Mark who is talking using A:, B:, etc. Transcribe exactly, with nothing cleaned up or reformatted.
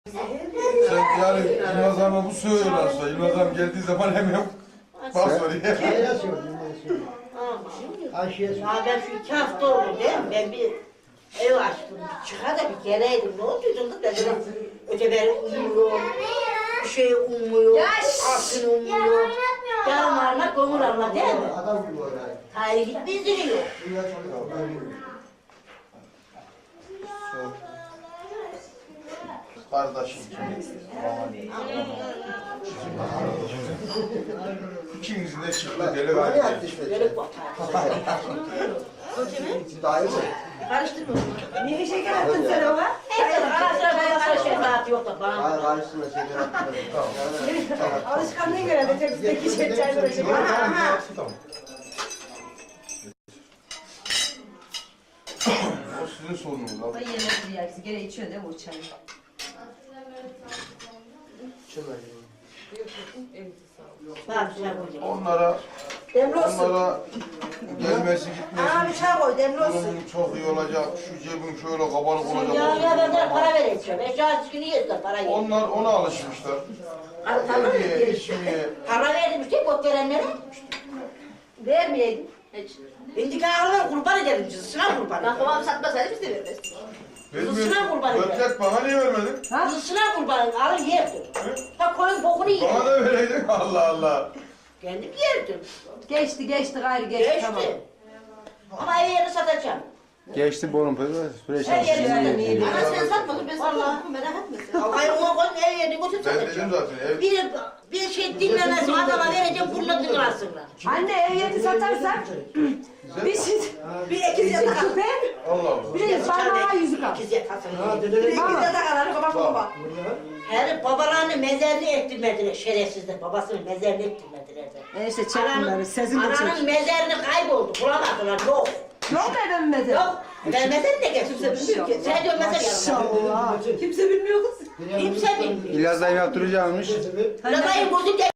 A: Sen yani Yılmaz Hanım'a bu söylüyorlarsa, Yılmaz Hanım geldiği zaman hemen bas oraya.
B: Ayşe'ye söylüyorum. Ayşe'ye söylüyorum.
C: Ya ben şu iki hafta oldu değil mi? Ben bir ev açtım. Çıkar da bir geleydim. Ne oldu canım? Ben dedim öteberi umuyorum. Bir şey umuyor. Aklını umuyor. Yarım arma, gomur arma değil mi?
B: Adam gibi oraya.
C: Hayır gitmeyiz diyor.
B: Dünya çok
A: Kardeşim. İkinizin de çıktı deli
B: Ne
A: var.
B: yaptı işte?
C: Böyle bak.
B: Daha iyi mi?
C: Karıştırma.
D: Niye şeker attın sen ona?
C: Hayır, ara sıra bana sıra şey rahat yok da bana.
B: Hayır, karşısına şeker attı. Tamam.
D: Alışkanlığına göre de tepsideki şey çaylara şeker.
A: Tamam. O sizin sorununuz abi.
D: Ay yemek bir yersin. Gene içiyorsun değil mi o çayı?
B: Şunlar.
C: Bak çay koyacağım.
A: Onlara,
D: Demli olsun.
A: onlara gelmesi
D: Aa bir
A: gitmesi
D: çay koy demli olsun.
A: durumun çok iyi olacak. Şu cebin şöyle kabarık
C: Ya
A: olacak.
C: ya ben de para vereceğim. Eşya çıkını yiyeceğiz para yiyeceğim.
A: Onlar ona alışmışlar. Yemeye, içmeye.
C: Para verdim işte bot verenlere.
D: Vermeyeydin.
C: Hiç. İndik ağırlar kurban ederim cızısına kurban ederim.
D: Babam satmasaydı biz de veririz.
C: Kızına kurban ederim.
A: Götlek bana niye vermedin?
C: Kızısına kurban ederim. Alır yerdim. Ha koyun bokunu
A: Bana
C: yerim.
A: da vereydin. Allah Allah.
C: Kendim yerdim.
D: Geçti geçti gayrı geçti,
C: Geçti.
D: tamam.
C: Ama ev yerini satacağım.
E: Geçti bunun süreç
C: Her yerini satacağım.
D: Ama sen satmadın ben
C: Vallahi.
D: satmadım merak etme.
C: Hayır ona koyun ev yerini götür
A: Ben
C: satacağım.
A: dedim zaten. Ev,
C: Bir, bir şey dinlemez adama vereceğim bununla dinlersinler.
D: Anne ev yeri satarsak bir şey bir ekiz yatak küpe
A: Allah Allah.
D: bir de parmağa yüzük al.
C: İkiz yatasın.
B: Ha,
D: Bir
B: dedene
D: ekiz yatak alır baba baba.
C: Her babalarını mezarını ettirmediler şerefsizler. Babasını mezarını ettirmediler de.
D: E işte çek
C: Ananın-
D: bunları sesini de
C: Ananın
D: çek.
C: mezarını kayboldu. Bulamadılar. Yok.
D: Yok mu evin mezarı?
C: Yok. Ben mezarı ne getirdim? Sen diyor mezar yanına.
D: Maşallah. Kimse bilmiyor kız.
C: Kimse bilmiyor.
E: İlyas dayım yaptıracakmış.
C: Radayı bozuk